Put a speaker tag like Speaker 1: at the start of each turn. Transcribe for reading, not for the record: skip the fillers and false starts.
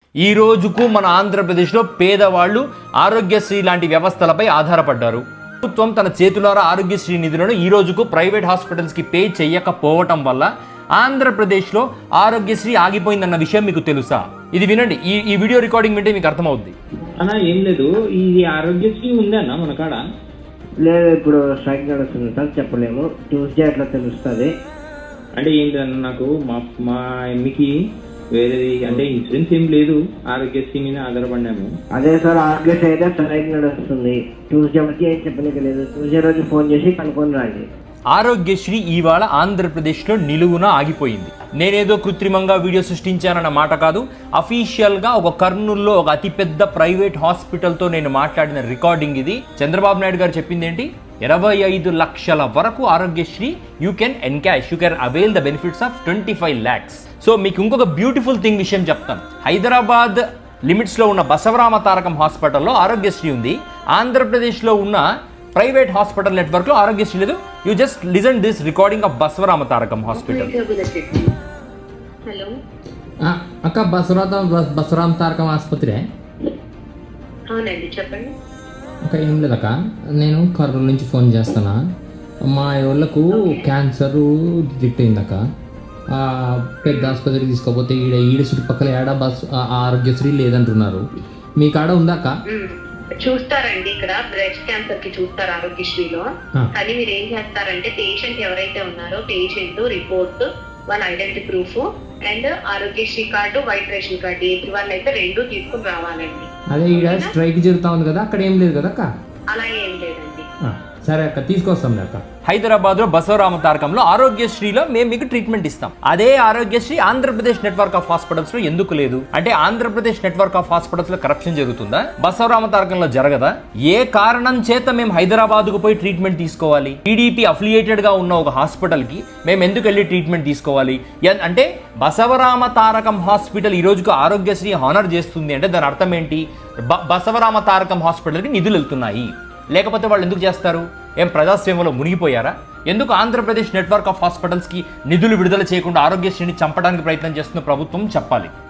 Speaker 1: ఈ రోజుకు మన ఆంధ్రప్రదేశ్లో పేదవాళ్ళు ఆరోగ్యశ్రీ లాంటి వ్యవస్థలపై ఆధారపడ్డారు. ప్రభుత్వం తన చేతులారా ఆరోగ్యశ్రీ నిధులను ఈ రోజుకు ప్రైవేట్ హాస్పిటల్స్కి పే చేయకపోవటం వల్ల ఆంధ్రప్రదేశ్లో ఆరోగ్యశ్రీ ఆగిపోయిందన్న విషయం మీకు తెలుసా? ఇది వినండి, ఈ వీడియో రికార్డింగ్ వింటే మీకు అర్థమవుద్ది.
Speaker 2: అన్నా ఏం లేదు, ఇది ఆరోగ్యశ్రీ ఉందన్నా మన కాడ?
Speaker 3: లేదు, ఇప్పుడు స్ట్రైక్ నడుస్తుంది సార్, చెప్పలేము. ట్యూస్డే అట్లా తెలుస్తుంది.
Speaker 2: అంటే ఏంటన్నా, నాకు మా ఎమ్మికి వేరేది అంటే ఇన్సూరెన్స్ ఏం లేదు, ఆరోగ్యశ్రీ మీద ఆధారపడినాము.
Speaker 3: అదే సార్, ఆరోగ్యశ్రీ అయితే స్ట్రైక్ నడుస్తుంది. ట్యూస్డే వరకు ఏం చెప్పలేదు. ట్యూస్డే రోజు ఫోన్ చేసి కనుక్కొని రండి.
Speaker 1: ఆరోగ్యశ్రీ ఇవాళ ఆంధ్రప్రదేశ్లో నిలువున ఆగిపోయింది. నేనేదో కృత్రిమంగా వీడియో సృష్టించానన్న మాట కాదు. అఫీషియల్గా ఒక కర్నూలులో ఒక అతిపెద్ద ప్రైవేట్ హాస్పిటల్తో నేను మాట్లాడిన రికార్డింగ్ ఇది. చంద్రబాబు నాయుడు గారు చెప్పింది ఏంటి? 25 లక్షల వరకు Aarogyasri you can encash, you can avail the benefits of 25 lakhs. So మీకు ఇంకొక బ్యూటిఫుల్ థింగ్ విషయం చెప్తాను. హైదరాబాద్ లిమిట్స్లో ఉన్న బసవరామ తారకం హాస్పిటల్లో ఆరోగ్యశ్రీ ఉంది. ఆంధ్రప్రదేశ్లో ఉన్న ప్రైవేట్ హాస్పిటల్ నెట్వర్క్లో ఆరోగ్యశ్రీ లేదు. You just listen this recording of Basavarama Tarakam hospital.
Speaker 4: Hello
Speaker 5: అక్క, బసవరామ తారకం ఆసుపత్రి?
Speaker 4: అవునండి, చెప్పండి.
Speaker 5: అక్క ఏం లేదక్క, నేను కర్నూలు నుంచి ఫోన్ చేస్తానా. మా వాళ్ళకు క్యాన్సర్ డిటెక్ట్ అయిందక్క. పెద్ద ఆసుపత్రికి తీసుకోపోతే ఈడ చుట్టుపక్కల ఏడా ఆరోగ్యశ్రీ లేదంటున్నారు. మీ కాడ ఉందా అక్క?
Speaker 4: చూస్తారండి, ఇక్కడ బ్రెస్ట్ క్యాన్సర్ కి చూస్తారు ఆరోగ్యశ్రీలో. కానీ మీరు ఏం చేస్తారంటే, పేషెంట్ ఎవరైతే ఉన్నారో పేషెంట్ రిపోర్ట్, వాళ్ళ identity proof and Aarogyasri card, white ration card, ఏది వాళ్ళు అయితే 2 తీసుకుని రావాలండి.
Speaker 5: అదే ఈడ స్ట్రైక్ జరుగుతా ఉంది కదా, అక్కడ ఏం లేదు కదా అక్క?
Speaker 4: అలా ఏం లేదండి.
Speaker 5: సరే అక్క, తీసుకొస్తాం అక్క.
Speaker 1: హైదరాబాద్లో బసవరామ తారకంలో ఆరోగ్యశ్రీలో మేము మీకు ట్రీట్మెంట్ ఇస్తాం. అదే ఆరోగ్యశ్రీ ఆంధ్రప్రదేశ్ నెట్వర్క్ ఆఫ్ హాస్పిటల్స్లో ఎందుకు లేదు? అంటే ఆంధ్రప్రదేశ్ నెట్వర్క్ ఆఫ్ హాస్పిటల్స్లో కరప్షన్ జరుగుతుందా? బసవరామ తారకంలో జరగదా? ఏ కారణం చేత మేము హైదరాబాద్కు పోయి ట్రీట్మెంట్ తీసుకోవాలి? టీడీపీ అఫిలియేటెడ్గా ఉన్న ఒక హాస్పిటల్కి మేము ఎందుకు వెళ్ళి ట్రీట్మెంట్ తీసుకోవాలి? అంటే బసవరామ తారకం హాస్పిటల్ ఈ రోజుకు ఆరోగ్యశ్రీ హానర్ చేస్తుంది అంటే దాని అర్థం ఏంటి? బసవరామ తారకం హాస్పిటల్కి నిధులు వెళ్తున్నాయి. లేకపోతే వాళ్ళు ఎందుకు చేస్తారు? ఏం ప్రజాస్వామ్యంలో మునిగిపోయారా? ఎందుకు ఆంధ్రప్రదేశ్ నెట్వర్క్ ఆఫ్ హాస్పిటల్స్కి నిధులు విడుదల చేయకుండా ఆరోగ్యశ్రీని చంపడానికి ప్రయత్నం చేస్తున్న ప్రభుత్వం చెప్పాలి.